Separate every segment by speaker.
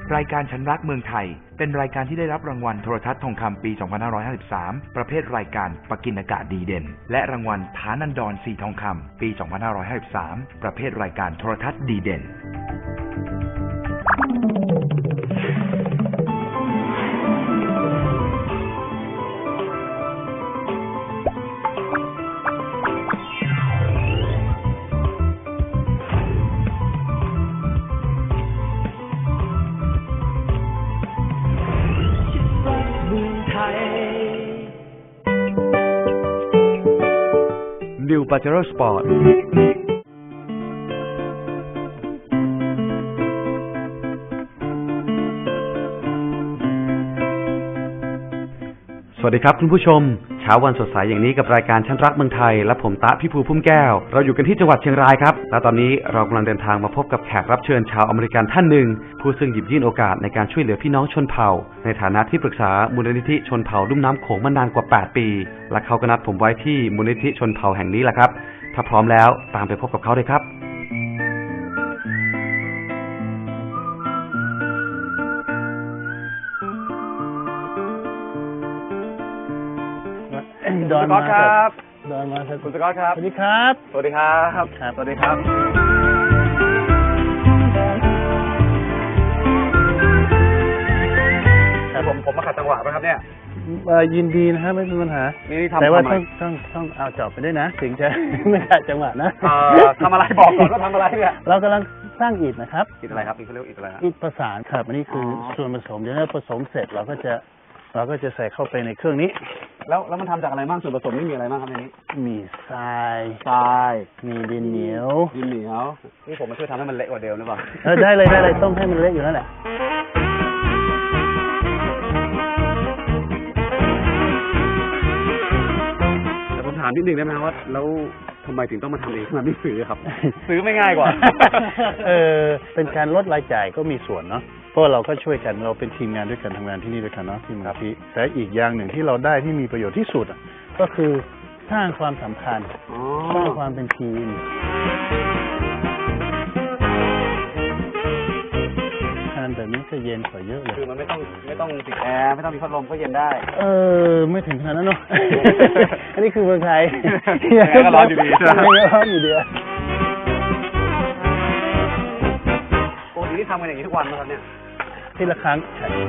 Speaker 1: รายการฉันรักเมืองไทยเป็นรายการที่ได้รับรางวัลโทรทัศน์ทองคำปี 2553 ประเภทรายการปกิณกะดีเด่นและรางวัลฐานันดรสีทองคำปี 2553 ประเภทรายการโทรทัศน์ดีเด่นNew Pajero Sport
Speaker 2: สวัสดีครับคุณผู้ชมเช้าวันสดใสอย่างนี้กับรายการฉันรักเมืองไทยและผมตะพี่ภูพุ่มแก้วเราอยู่กันที่จังหวัดเชียงรายครับและตอนนี้เรากำลังเดินทางมาพบกับแขกรับเชิญชาวอเมริกันท่านหนึ่งผู้ซึ่งหยิบยื่นโอกาสในการช่วยเหลือพี่น้องชนเผ่าในฐานะที่ปรึกษามูลนิธิชนเผ่าลุ่มน้ำโขงมานานกว่า8ปีและเขาก็นัดผมไว้ที่มูลนิธิชนเผ่าแห่งนี้แหละครับถ้าพร้อมแล้วตามไปพบกับเขาเลยครับ
Speaker 3: ดอนมาครับ
Speaker 4: ดอนมา
Speaker 3: คุณสกอตครับ
Speaker 4: สวัสดีครับ
Speaker 3: สวัสดีครับสวัสดีครับผมมาขัดจังหวะไหมครับเนี่ย
Speaker 4: ยินดีนะครับไม่มีปัญหา
Speaker 3: นี่ทำ
Speaker 4: แต่ว่าต้องเอาจอบไปด้วยนะถึงจะไม่ขัดจังหวะนะ
Speaker 3: ทำอะไรบอกก่อนว่าทำอะไรเนี่ย
Speaker 4: เรากำลังสร้างอิฐนะครับ
Speaker 3: อิฐอะไรครับอิฐเขาเรียกอิฐอะไร
Speaker 4: อิฐประสานครับอันนี้คือส่วนผสมเดี๋ยวผสมเสร็จเราก็จะใส่เข้าไปในเครื่องนี้
Speaker 3: แล้วมันทำจากอะไรบ้างส่วนผสมนี่มีอะไรบ้างครับในนี้
Speaker 4: มีทรายมีดินเหนียว
Speaker 3: นี่ผมมาช่วยทำให้มันเละกว่าเดิมหรือเปล่า
Speaker 4: ได้เลยต้มให้มันเละอยู่นั่นแหละ
Speaker 3: แต่ผมถามนิดนึงได้ไหมว่าแล้วทำไมถึงต้องมาทำเองทำไมไม่ซื้อครับซื้อไม่ง่ายกว่า
Speaker 4: เป็นการลดรายจ่ายก็มีส่วนเนาะเพราะเราก็ช่วยกันเราเป็นทีมงานด้วยกันทำงานที่นี่ด้วยกันเนาะที่มูลนิธิแต่อีกอย่างหนึ่งที่เราได้ที่มีประโยชน์ที่สุดก็คือสร้างความสัมพันธ์สร้างความเป็นทีมทานแบบนี้จะเย็นกว่าเยอะเลย
Speaker 3: คือมันไม่ต้องติดแอร์ไม่ต้องมีพัดลมก็เย็นได้
Speaker 4: ไม่ถึงขนาดนั้นเนาะอันนี้คือเมืองไทย
Speaker 3: ก็ร้อนอยู่ดีใช่ไหม
Speaker 4: ร้อนอยู่ดี
Speaker 3: ปกติที่ทำกันอย่างนี้ทุกวันไหมครับเนี่ย
Speaker 4: ทีละครั้ง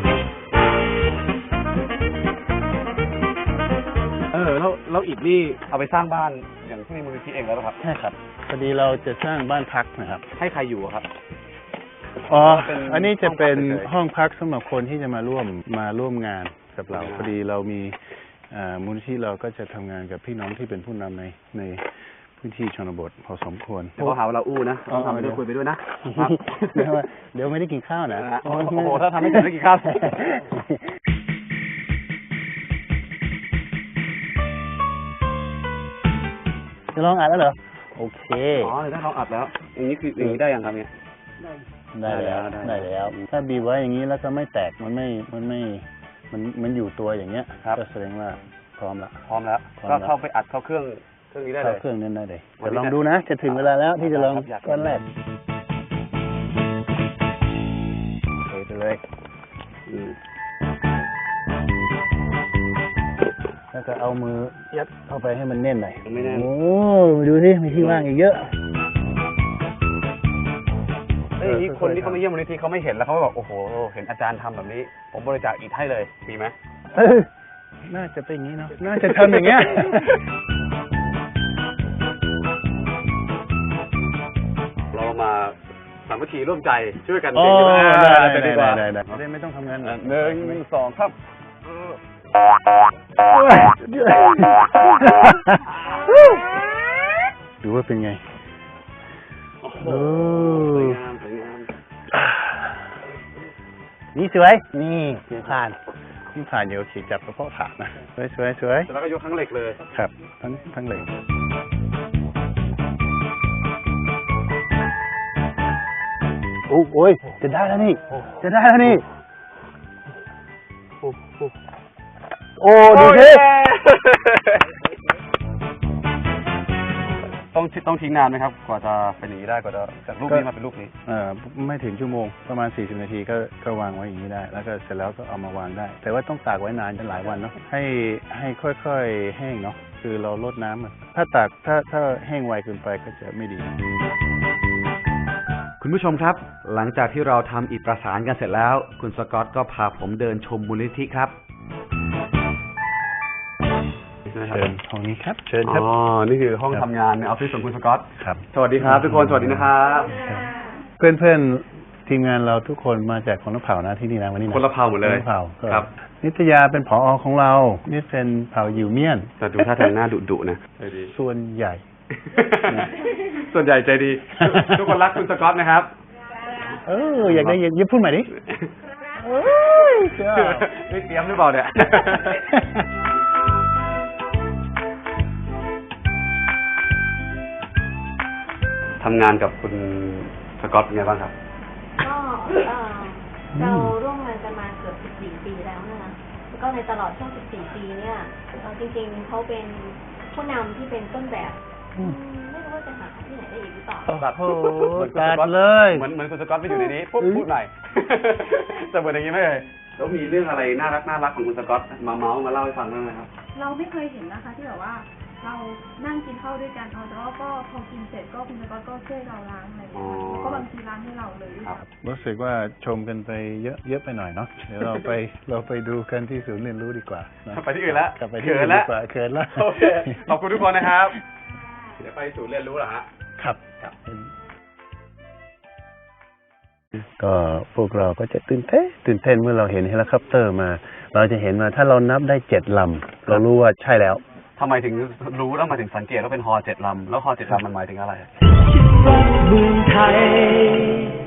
Speaker 3: แล้วอิฐนี่เอาไปสร้างบ้านอย่างที่ในมูลนิธิเองแล้วครับ
Speaker 4: ใช่ครับพอดีเราจะสร้างบ้านพักนะครับ
Speaker 3: ให้ใครอยู่ครับ
Speaker 4: อันนี้จะเป็นห้องพักสำหรับคนที่จะมาร่วมงานกับเราพอดีเรามีมูลนิธิเราก็จะทำงานกับพี่น้องที่เป็นผู้นำในพื้นที่ชนบทพอสมควร
Speaker 3: เขาหาว่าเราอู้นะทำไปด้วยคุยไปด้วยนะ
Speaker 4: เดี๋ยวไม่ได้กินข้าวนะ
Speaker 3: โอ้โหถ้าทำไม่เสร็จไม่กินข้าว
Speaker 4: จะลองอัดแล้วเหรอโอเค
Speaker 3: ได้ลองอัดแล้วอย่างนี้คืออย่างนี้ได้ยังครับเนี่ย
Speaker 4: ได้แล้วถ้าบีบไว้อย่างนี้แล้วก็ไม่แตกมันอยู่ตัวอย่างเงี้ยก็แสดงว่าพร้อมแล้ว
Speaker 3: ก็เข้าไปอัดเข้าเครื่องนี้ได้เลย
Speaker 4: เครื่องนั้นได้เลยจะลองดูนะจะถึงเวลาแล้วที่จะลองก้อนแรกไปเลยแล้วก็เอามือยัดเข้าไปให้มันแน่นหน่อยโอ้ดูสิมีที่ว่างอีกเยอะ
Speaker 3: คนที่เขามาเยี่ยมมูลนิธิเขาไม่เห็นแล้วเขาบอกโอ้โหเห็นอาจารย์ทำแบบนี้ผมบริจาคอิฐให้เลยมีไหม
Speaker 4: น่าจะเป็นอย่างนี้เนาะน่าจะทำอย่างเงี้ย
Speaker 3: เรามาสามัคคีร่วมใจช่วยกัน
Speaker 4: ได้ไม่ต้องทำงาน
Speaker 3: 1 2ครับ
Speaker 4: ดูว่าเป็นไง
Speaker 3: สวยงาม
Speaker 4: นี่สวยนี่ผ่านเดี๋ยวขี่จับกระเพาะขาดนะสวย
Speaker 3: แล้วก็ยกทั้งเหล็กเลย
Speaker 4: ครับทั้งเหล็กโอ้ยจะได้แล้วนี่โอ้ดูสิ
Speaker 3: โอ้ต้องทิ้งนานไหมครับ กว่าจะเป็นอย่างนี้ได้กว่าจะจากรูปนี้มาเป็นรูปนี้
Speaker 4: ไม่ถึงชั่วโมงประมาณ40 นาทีก็วางไว้อย่างนี้ได้ แล้วก็เสร็จแล้วก็เอามาวางได้ แต่ว่าต้องตากไว้นานเป็นหลายวันเนาะให้ค่อยๆแห้งเนาะคือเราลดน้ำถ้าตากถ้าแห้งไวเกินไปก็จะไม่ดี
Speaker 2: คุณผู้ชมครับ หลังจากที่เราทำอิฐประสานกันเสร็จแล้ว คุณสกอตก็พาผมเดินชมมูลนิธิครับ
Speaker 4: เชิญห้องนี้ครับเชิญครับ
Speaker 3: อ๋อ นี่คือห้องทำงานในออฟฟิศของคุณสกอต
Speaker 4: ครับ
Speaker 3: สวัสดีครับทุกคนสวัสดีนะครับ
Speaker 4: เพื่อนๆทีมงานเราทุกคนมาจากคนละเผ่านะที่นี่นะวันนี้นะ
Speaker 3: คนละเผ่าหมดเลย
Speaker 4: คนละเผ่า
Speaker 3: ครับ
Speaker 4: นิตยาเป็นผอ.ของเรานี่เป็นเผ่ายิวเมียน
Speaker 3: แต่ดูท่าทางหน้าดุๆนะใจดี
Speaker 4: ส่วนใหญ่
Speaker 3: ส่วนใหญ่ใจดี ทุกคนรักคุณสกอตนะครับ
Speaker 4: อยากได้ยิบพูดใหม่ดิจ้า
Speaker 3: ไม่เตรียมหรือเปล่าเนี่ย ทำงานกับคุณสกอตเป็นไงบ้างครับ
Speaker 5: ก็เราร่วมงานกันมาเกือบ14 ปีแล้วนะคะแล้วก็ในตลอดช่วง14 ปีเนี่ยจริงๆเขาเป็นผู้นำที่เป็นต้นแบบไม่รู้ว่าจะหาที่ไหนได้อีกหรือเปล่า
Speaker 3: แบบ
Speaker 4: โอ้โห
Speaker 3: เหมือนคุณ
Speaker 4: ตั
Speaker 3: ส
Speaker 4: ด
Speaker 3: กอต
Speaker 4: เลย
Speaker 3: เหมือนคุณสกอตไปอยู่ในนี้ปุ๊บพูดหน่อย จะเหมือนอย่างนี้ไหมเลยแล้วมีเรื่องอะไรน่ารักของคุณสกอตมาเมาส์มาเล่าให้ฟังได้ไหมครับ
Speaker 6: เราไม่เคยเห็นนะคะที่แบบว่าเรานั่งกินข้าวด้วยกันแต่ว่าก็พอกินเสร็จก็คุณสกอตก็ช่วยเราล้างอะไรอย่างเงี้ยค่ะแล้วก็บางทีล้างให้เราเลยด้วย
Speaker 4: รู้สึกว่าชมกันไปเยอะไปหน่อยเนาะเดี๋ยวเราไปดูกันที่ศูนย์เรียนรู้ดีกว่านะ
Speaker 3: ไปที่อื่นแล้ว
Speaker 4: กลับไปที่อื่นดีกว่าเขินแล้ว
Speaker 3: โอเคขอบคุณทุกคนนะครับ เดี๋ยวไปศูนย์เรียนรู้เหรอฮะ
Speaker 4: ครับก็พวกเราก็จะตื่นเต้นเมื่อเราเห็นเฮลิคอปเตอร์มา เราจะเห็นว่าถ้าเรานับได้7 ลำเรารู้ว่าใช่แล้ว
Speaker 3: ทำไมถึงรู้แล้วมาถึงสังเกตว่าเป็นฮอ7 ลำแล้วฮอ7 ลำมันหมายถึงอะไร
Speaker 7: เมืองไทย